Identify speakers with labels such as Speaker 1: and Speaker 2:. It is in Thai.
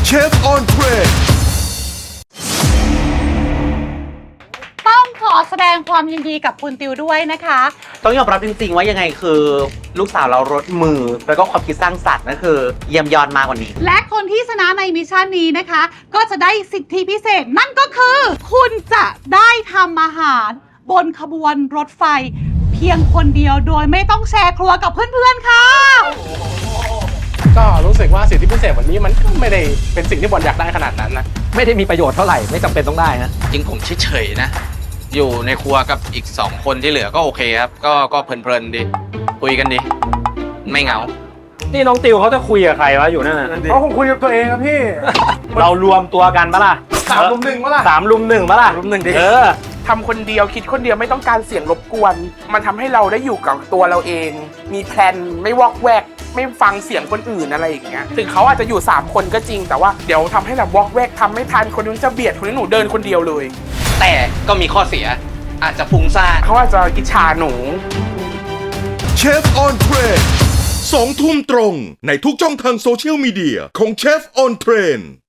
Speaker 1: เชฟออนเทรน
Speaker 2: ต้องขอแสดงความยินดีกับคุณติวด้วยนะคะ
Speaker 3: ต้องยอมรับจริงๆว่ายังไงคือลูกสาวเรารสมือแล้วก็ความคิดสร้างสรรค์นั่นคือเยี่ยมยอดมากกว่านี้
Speaker 2: และคนที่ชนะในมิชชั่นนี้นะคะ ก็จะได้สิทธิพิเศษนั่นก็คือ คุณจะได้ทำอาหารบนขบวนรถไฟ เพียงคนเดียวโดยไม่ต้องแชร์ครัวกับเพื่อนๆค่ะ
Speaker 4: ก็รู้สึกว่าสิทธิพิเศษวันนี้มันก็ไม่ได้เป็นสิ่งที่บอลอยากได้ขนาดนั้นนะ
Speaker 5: ไม่ได้มีประโยชน์เท่าไหร่ไม่จำเป็นต้องได้นะ
Speaker 6: จริงผมเฉยๆนะ อยู่ในครัวกับอีก2คนที่เหลือก็โอเคครับ ก็เพลินๆดีคุยกันดีไม่เหงา
Speaker 5: นี่น้องติวเขาจะคุยกับใครวะอยู่นั่นน่ะ
Speaker 4: เขาคงคุยกับตัวเองครับพี่
Speaker 5: เรารวมตัวกันปะล่ะ
Speaker 4: 3 ลุม 1ปะล่ะ
Speaker 5: 3 ลุม 1ปะล่ะลุม 1ดิ
Speaker 7: ทำคนเดียวคิดคนเดียวไม่ต้องการเสียงรบกวน มันทำให้เราได้อยู่กับตัวเราเอง มีแพลนไม่วอกแวก ไม่ฟังเสียงคนอื่นอะไรอย่างเงี้ยถึงเขาอาจจะอยู่3คนก็จริงแต่ว่าเดี๋ยวทำให้แบบวอกแวกทำไม่ทันคนนู้นจะเบียดคนนี้หนูเดินคนเดียวเลย
Speaker 6: แต่ก็มีข้อเสียอาจจะฟุ้งซ่าน
Speaker 7: เขาอาจจะอิจฉาหนู
Speaker 1: เชฟออนเทรน2 ทุ่มตรงในทุกช่องทางโซเชียลมีเดียของเชฟออนเทรน